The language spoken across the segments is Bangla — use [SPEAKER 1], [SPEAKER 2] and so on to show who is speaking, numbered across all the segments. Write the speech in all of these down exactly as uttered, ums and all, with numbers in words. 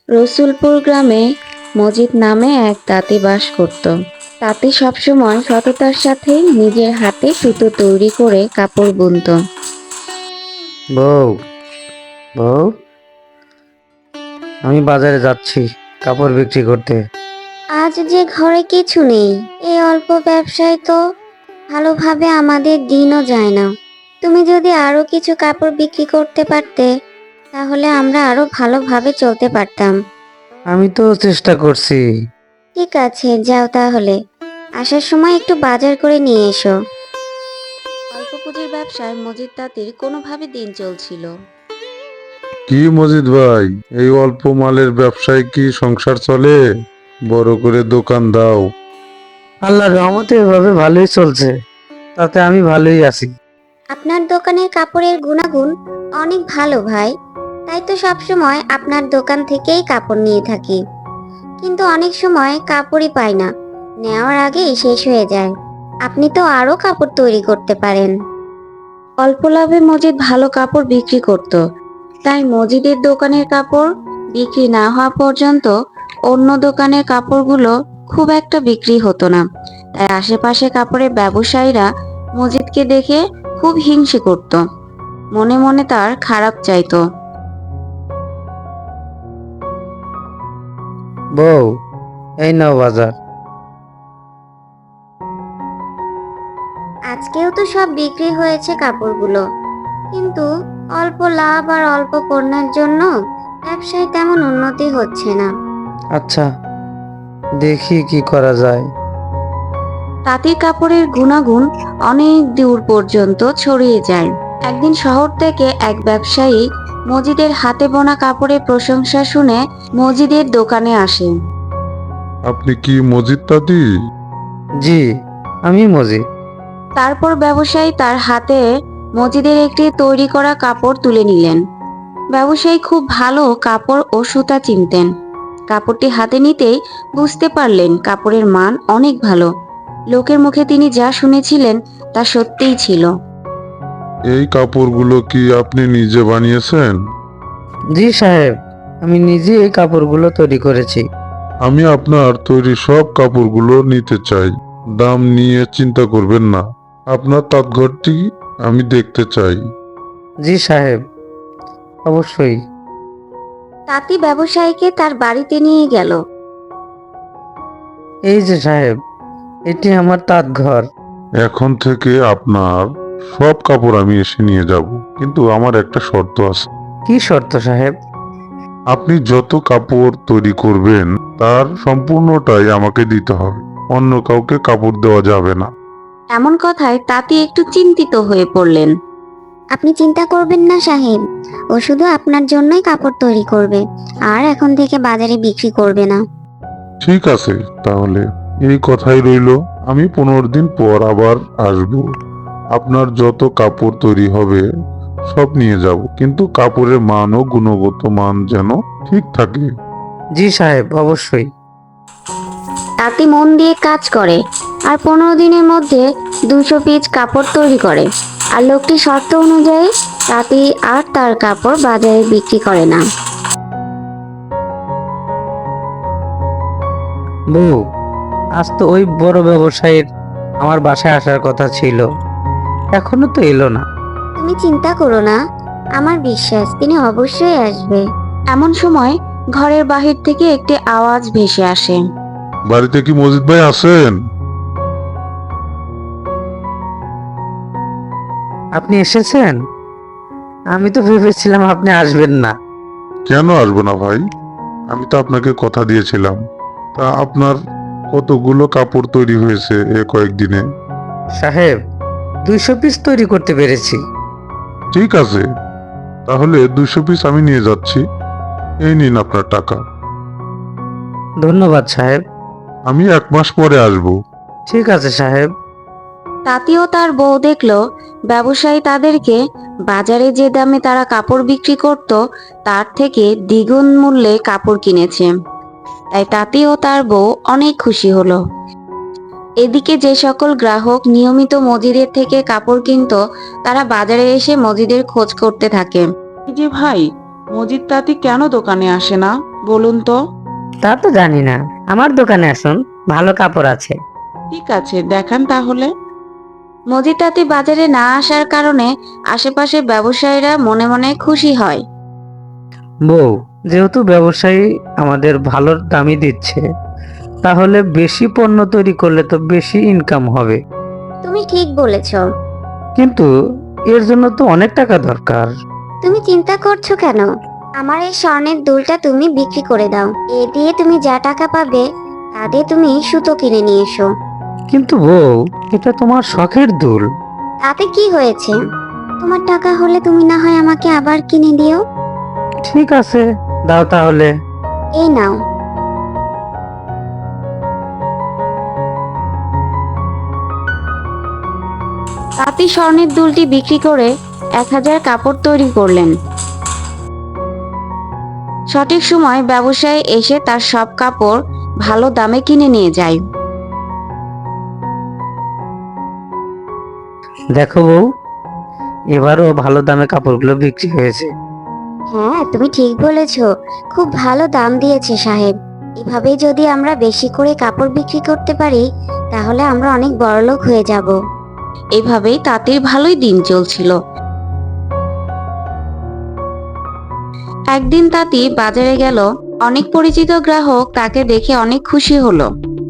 [SPEAKER 1] রসুলপুর গ্রামে মজিদ নামে এক তাঁতি বাস করত। তাঁতি সবসময় সততার সাথে নিজের হাতে সুতো তৈরি করে কাপড় বুনত।
[SPEAKER 2] বউ বউ আমি বাজারে যাচ্ছি কাপড় বিক্রি করতে।
[SPEAKER 3] আজ যে ঘরে কিছু নেই, এই অল্প ব্যবসায় তো ভালোভাবে আমাদের দিনও যায় না। তুমি যদি আরো কিছু কাপড় বিক্রি করতে পারতে, তাহলে আমরা আরো ভালোভাবে চলতে পারতাম।
[SPEAKER 2] আমি তো চেষ্টা করছি।
[SPEAKER 3] ঠিক আছে, যাও তাহলে। আসার সময় একটু বাজার করে নিয়ে এসো।
[SPEAKER 1] অল্প পুঁজির ব্যবসায় মজিদ তাঁতির কোনোভাবে দিন চলছিল।
[SPEAKER 4] কি মজিদ ভাই, এই অল্প মালের ব্যবসায় কি সংসার চলে? বড় করে দোকান দাও।
[SPEAKER 2] আল্লাহর রহমতে এভাবে ভালোই চলছে, তাতে আমি ভালোই আছি।
[SPEAKER 3] আপনার দোকানের কাপড়ের গুণাগুণ অনেক ভালো ভাই, তাই তো সবসময় আপনার দোকান থেকেই কাপড় নিয়ে থাকি। কিন্তু অনেক সময় কাপড়ই পাই না, নেওয়ার আগেই শেষ হয়ে যায়। আপনি তো আরো কাপড় তৈরি করতে পারেন।
[SPEAKER 1] অল্প লাভে মজিদ ভালো কাপড় বিক্রি করত, তাই মজিদের দোকানের কাপড় বিক্রি না হওয়া পর্যন্ত অন্য দোকানের কাপড়গুলো খুব একটা বিক্রি হতো না। তাই আশেপাশে কাপড়ের ব্যবসায়ীরা মজিদকে দেখে খুব হিংসে করত, মনে মনে তার খারাপ চাইতো।
[SPEAKER 2] বউ, এই নাও বাজার।
[SPEAKER 3] আজকেও তো সব বিক্রি হয়েছে কাপড়গুলো, কিন্তু অল্প লাভ আর অল্প পণ্যের জন্য ব্যবসায় তেমন উন্নতি হচ্ছে না।
[SPEAKER 2] আচ্ছা, দেখি কি করা যায়।
[SPEAKER 1] তাঁতির কাপড়ের গুণাগুণ অনেক দূর পর্যন্ত ছড়িয়ে যায়। একদিন শহর থেকে এক ব্যবসায়ী মজিদের হাতে বোনা কাপড়ের প্রশংসা শুনে মজিদের দোকানে আসে।
[SPEAKER 4] আপনি কি মজিদ তাঁতি?
[SPEAKER 2] জি, আমি মজি।
[SPEAKER 1] তারপর ব্যবসায়ী তার হাতে মজিদের একটি তৈরি করা কাপড় তুলে নিলেন। ব্যবসায়ী খুব ভালো কাপড় ও সুতা চিনতেন। কাপড়টি হাতে নিতেই বুঝতে পারলেন কাপড়ের মান অনেক ভালো। লোকের মুখে তিনি যা শুনেছিলেন তা সত্যিই ছিল।
[SPEAKER 4] এই কাপড়গুলো কি আপনি নিজে বানিয়েছেন?
[SPEAKER 2] জি সাহেব, আমি নিজে এই কাপড়গুলো তৈরি করেছি।
[SPEAKER 4] আমি আপনার তৈরি সব কাপড়গুলো নিতে চাই। দাম নিয়ে চিন্তা করবেন না। আপনার তাঁতঘরটি আমি দেখতে চাই।
[SPEAKER 2] জি সাহেব, অবশ্যই।
[SPEAKER 1] তাঁতি ব্যবসায়ীকে তার বাড়িতে নিয়ে গেল।
[SPEAKER 2] এই যে সাহেব, এটি আমার তাঁত ঘর।
[SPEAKER 4] এখন থেকে আপনার সব কাপড় আমি এসে নিয়ে যাব, কিন্তু আমার একটা শর্ত আছে।
[SPEAKER 2] কি শর্ত সাহেব?
[SPEAKER 4] আপনি যত কাপড় তৈরি করবেন তার সম্পূর্ণটাই আমাকে দিতে হবে। অন্য কাউকে কাপড় দেওয়া যাবে না।
[SPEAKER 1] এমন কথায় তাঁতি একটু চিন্তিত হয়ে পড়লেন।
[SPEAKER 3] আপনি চিন্তা করবেন না সাহেব, ও শুধু আপনার জন্যই কাপড় তৈরি করবে, আর এখন থেকে বাজারে বিক্রি করবে না।
[SPEAKER 4] ঠিক আছে, তাহলে এই কথাই রইলো। আমি পনেরো দিন পর আবার আসব। আপনার যত কাপড় তৈরি হবে সব নিয়ে যাব, কিন্তু কাপড়ের মান ও গুণগত মান যেন ঠিক থাকে।
[SPEAKER 2] জি সাহেব, অবশ্যই।
[SPEAKER 1] তাঁতি মন দিয়ে কাজ করে আর পনেরো দিনের মধ্যে দুশো পিস কাপড় তৈরি করে। আর লোকটি শর্ত অনুযায়ী তাঁতি আর তার কাপড় বাজারে বিক্রি করে না।
[SPEAKER 2] বউ, আজ তো ওই বড় ব্যবসায়ীর আমার বাসায় আসার কথা ছিল, এখনো তো এলো না।
[SPEAKER 3] তুমি চিন্তা করো না, আমার বিশ্বাস তিনি অবশ্যই আসবে।
[SPEAKER 1] এমন সময় ঘরের বাহির থেকে একটি আওয়াজ ভেসে আসে।
[SPEAKER 4] বাড়িতে কি মজিদ ভাই আছেন?
[SPEAKER 2] আপনি এসেছেন? আমি তো ভেবেছিলাম আপনি আসবেন না।
[SPEAKER 4] কেন আসবো না ভাই? আমি তো আপনাকে কথা দিয়েছিলাম। তা আপনার কতগুলো কাপড় তৈরি হয়েছে এ কয়েকদিনে?
[SPEAKER 2] সাহেব, দুইশো পিস তৈরি করতে পেরেছি।
[SPEAKER 4] ঠিক আছে, তাহলে দুশো পিস আমি নিয়ে যাচ্ছি। এই নিন আপনার টাকা।
[SPEAKER 2] ধন্যবাদ সাহেব।
[SPEAKER 4] আমি এক মাস পরে আসব।
[SPEAKER 2] ঠিক আছে সাহেব।
[SPEAKER 1] তাঁতি ও তার বউ দেখলো ব্যবসায়ী তাদেরকে বাজারে যে দামে তারা কাপড় বিক্রি করত তার থেকে দ্বিগুণ মূল্যে কাপড় কিনেছে। তাই তাঁতি ও তার বউ অনেক খুশি হলো। এদিকে যে সকল গ্রাহক নিয়মিত মজিদের থেকে কাপড় কিনতো তারা বাজারে এসে মজিদের খোঁজ করতে থাকে।
[SPEAKER 5] এই যে ভাই, মজিদ তাঁতি কেন দোকানে আসে না? বলুন তো।
[SPEAKER 2] তা তো জানি না, আমার দোকানে আসুন, ভালো কাপড় আছে।
[SPEAKER 5] ঠিক আছে, দেখান তাহলে।
[SPEAKER 1] মজিদ তাঁতি বাজারে না আসার কারণে আশেপাশের ব্যবসায়ীরা মনে মনে খুশি হয়।
[SPEAKER 2] বউ, যেহেতু ব্যবসায়ী আমাদের ভালো দামই দিচ্ছে, তাহলে বেশি পণ্য তৈরি করলে তো বেশি ইনকাম হবে।
[SPEAKER 3] তুমি ঠিক বলেছ।
[SPEAKER 2] কিন্তু এর জন্য তো অনেক টাকা দরকার।
[SPEAKER 3] তুমি চিন্তা করছো কেন? আমার এই স্বর্ণের দুলটা তুমি বিক্রি করে দাও। এ দিয়ে তুমি যা টাকা পাবে তা দিয়ে তুমি সুতো কিনে নিয়ে এসো।
[SPEAKER 2] কিন্তু বউ, এটা তোমার শখের দুল।
[SPEAKER 3] তাতে কি হয়েছে? তোমার টাকা হলে তুমি না হয় আমাকে আবার কিনে দিও।
[SPEAKER 2] ঠিক আছে, দাও তাহলে।
[SPEAKER 3] এই নাও।
[SPEAKER 1] তাঁতি স্বর্ণের দুলটি বিক্রি করে এক হাজার কাপড় তৈরি করলেন। সঠিক সময় ব্যবসায়ী এসে তার সব কাপড় ভালো দামে কিনে নিয়ে যায়।
[SPEAKER 2] দেখো বউ, এবারও ভালো দামে কাপড়গুলো বিক্রি হয়েছে।
[SPEAKER 3] হ্যাঁ, তুমি ঠিক বলেছ। খুব ভালো দাম দিয়েছে সাহেব। এভাবেই যদি আমরা বেশি করে কাপড় বিক্রি করতে পারি তাহলে আমরা অনেক বড়লোক হয়ে যাব।
[SPEAKER 1] এভাবেই তাঁতির ভালোই দিন চলছিল। একদিন তাঁতি বাজারে গেল। অনেক পরিচিত গ্রাহক তাকে দেখে অনেক খুশি হলো।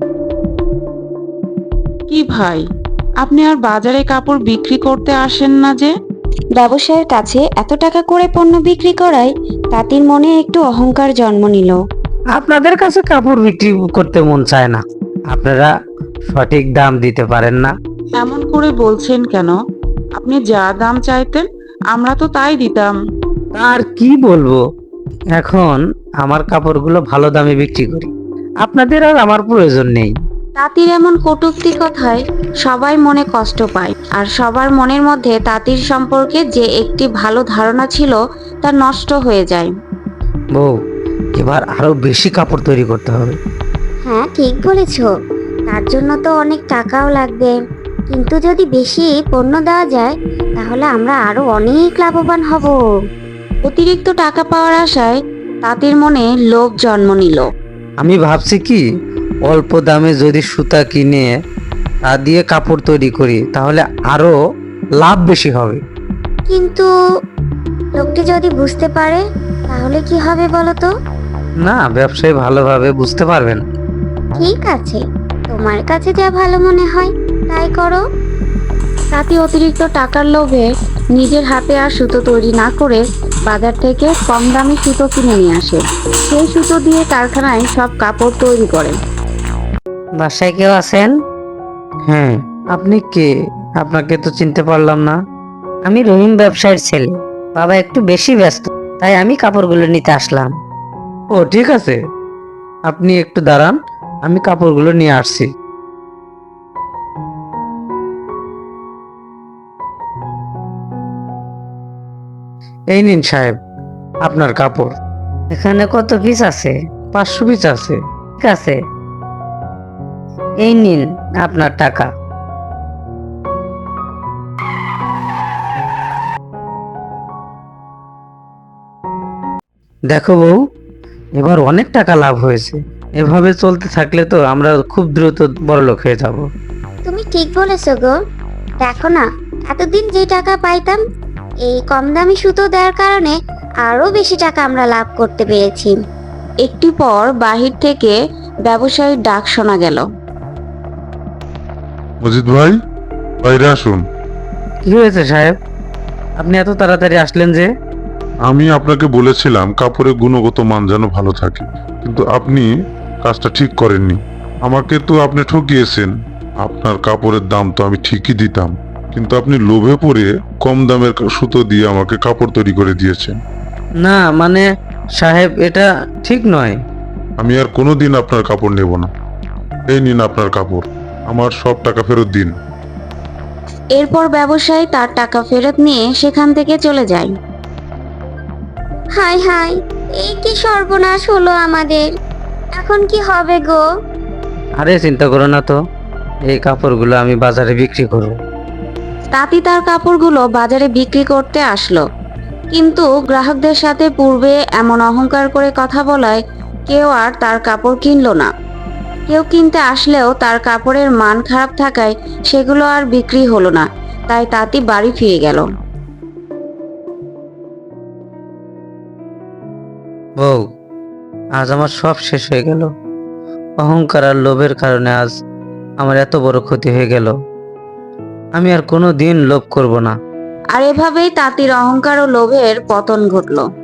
[SPEAKER 5] কি ভাই, আপনি আর বাজারে কাপড় বিক্রি করতে আসেন না যে?
[SPEAKER 1] ব্যবসায়ের কাছে এত টাকা করে পণ্য বিক্রি করায় তাঁতির মনে একটু অহংকার জন্ম নিল।
[SPEAKER 2] আপনাদের কাছে কাপড় বিক্রি করতে মন চায় না, আপনারা সঠিক দাম দিতে পারেন না।
[SPEAKER 5] এমন করে বলছেন কেন? আপনি যা দাম চাইতেন আমরা তো তাই দিতাম।
[SPEAKER 2] আর কি বলবো, এখন আমার কাপড়গুলো ভালো দামে বিক্রি করি, আপনাদের আর আমার প্রয়োজন নেই।
[SPEAKER 1] তাঁতির এমন কটূক্তি কথায় সবাই মনে কষ্ট পায়, আর সবার মনের মধ্যে তাঁতির সম্পর্কে যে একটি ভালো ধারণা ছিল তা নষ্ট হয়ে যায়।
[SPEAKER 2] বউ, এবার আরো বেশি কাপড় তৈরি করতে হবে।
[SPEAKER 3] হ্যাঁ, ঠিক বলেছ। তার জন্য তো অনেক টাকাও লাগবে। কিন্তু যদি বেশি পণ্য দেওয়া যায় তাহলে আমরা আরো অনেক লাভবান হব।
[SPEAKER 1] অতিরিক্ত টাকা পাওয়ার আশায় তাঁতির মনে লোভ জন্ম নিল।
[SPEAKER 2] আমি ভাবছি কি, অল্প দামে যদি সুতা কিনে তা দিয়ে কাপড় তৈরি করি তাহলে আরো লাভ বেশি হবে।
[SPEAKER 3] কিন্তু লোকটি যদি বুঝতে পারে তাহলে কি হবে বলো তো?
[SPEAKER 2] না, ব্যবসায়ী ভালোভাবে বুঝতে পারবেন।
[SPEAKER 3] ঠিক আছে, তোমার কাছে যা ভালো মনে হয় তাই করো।
[SPEAKER 1] তাঁতি অতিরিক্ত টাকার লোভে নিজের হাতে আর সুতো তৈরি না করে বাজার থেকে কম দামে সুতো কিনে নিয়ে আসে। সেই সুতো দিয়ে কারখানায় সব কাপড় তৈরি করে।
[SPEAKER 2] বাসায় কেউ আছেন? হ্যাঁ, আপনি কে? আপনাকে তো চিনতে পারলাম না।
[SPEAKER 6] আমি রহিম ব্যবসায়ীর ছেলে। বাবা একটু বেশি ব্যস্ত, তাই আমি কাপড়গুলো নিতে আসলাম।
[SPEAKER 2] ও ঠিক আছে, আপনি একটু দাঁড়ান, আমি কাপড়গুলো নিয়ে আসছি। এই নিন সাহেব, আপনার কাপড়।
[SPEAKER 6] এখানে কত পিস আছে?
[SPEAKER 2] পাঁচশো পিস আছে।
[SPEAKER 6] ঠিক আছে, এই নিন আপনার টাকা।
[SPEAKER 2] দেখো বউ, এবার অনেক টাকা লাভ হয়েছে। এভাবে চলতে থাকলে তো আমরা খুব দ্রুত বড়লোক হয়ে যাব।
[SPEAKER 3] তুমি ঠিক বলেছো গো। দেখো না, এতদিন যে টাকা পাইতাম এই কম দামি সুতো দেওয়ার কারণে আরো বেশি টাকা আমরা লাভ করতে পেরেছি।
[SPEAKER 1] একটু পর বাহির থেকে ব্যবসায়ীর ডাক শোনা গেল।
[SPEAKER 4] মজিদ ভাই, বাইরে আসুন।
[SPEAKER 2] কি হয়েছে সাহেব, আপনি এত তাড়াতাড়ি আসলেন যে?
[SPEAKER 4] আমি আপনাকে বলেছিলাম কাপড়ের গুণগত মান যেন ভালো থাকে, কিন্তু আপনি কাজটা ঠিক করেননি। আমাকে তো আপনি ঠকিয়েছেন। আপনার কাপড়ের দাম তো আমি ঠিকই দিতাম, কিন্তু আপনি লোভে পড়ে কম দামের সুতো দিয়ে আমাকে কাপড় তৈরি করে দিয়েছেন।
[SPEAKER 2] না মানে সাহেব, এটা ঠিক নয়।
[SPEAKER 4] আমি আর কোনোদিন আপনার কাপড় নেব না। এই নিন আপনার কাপড়, আমার সব টাকা ফেরত দিন।
[SPEAKER 1] এরপর ব্যবসায়ী তার টাকা ফেরত নিয়ে সেখান থেকে চলে যায়।
[SPEAKER 3] হাই হাই, এই কি সর্বনাশ হলো আমাদের! এখন কি হবে গো?
[SPEAKER 2] আরে চিন্তা করো না তো, এই কাপড়গুলো আমি বাজারে বিক্রি করব।
[SPEAKER 1] তাঁতি তার কাপড়গুলো বাজারে বিক্রি করতে আসলো, কিন্তু গ্রাহকদের সাথে পূর্বে এমন অহংকার করে কথা বলায় কেউ আর তার কাপড় কিনলো না। কেউ কিনতে আসলেও তার কাপড়ের মান খারাপ থাকায় সেগুলো আর বিক্রি হলো না। তাই তাঁতি বাড়ি ফিরে গেল।
[SPEAKER 2] বউ, আজ আমার সব শেষ হয়ে গেল। অহংকার আর লোভের কারণে আজ আমার এত বড় ক্ষতি হয়ে গেল। আমি আর কোনো দিন লোভ করব না।
[SPEAKER 1] আর এভাবেই তাঁতির অহংকার ও লোভের পতন ঘটল।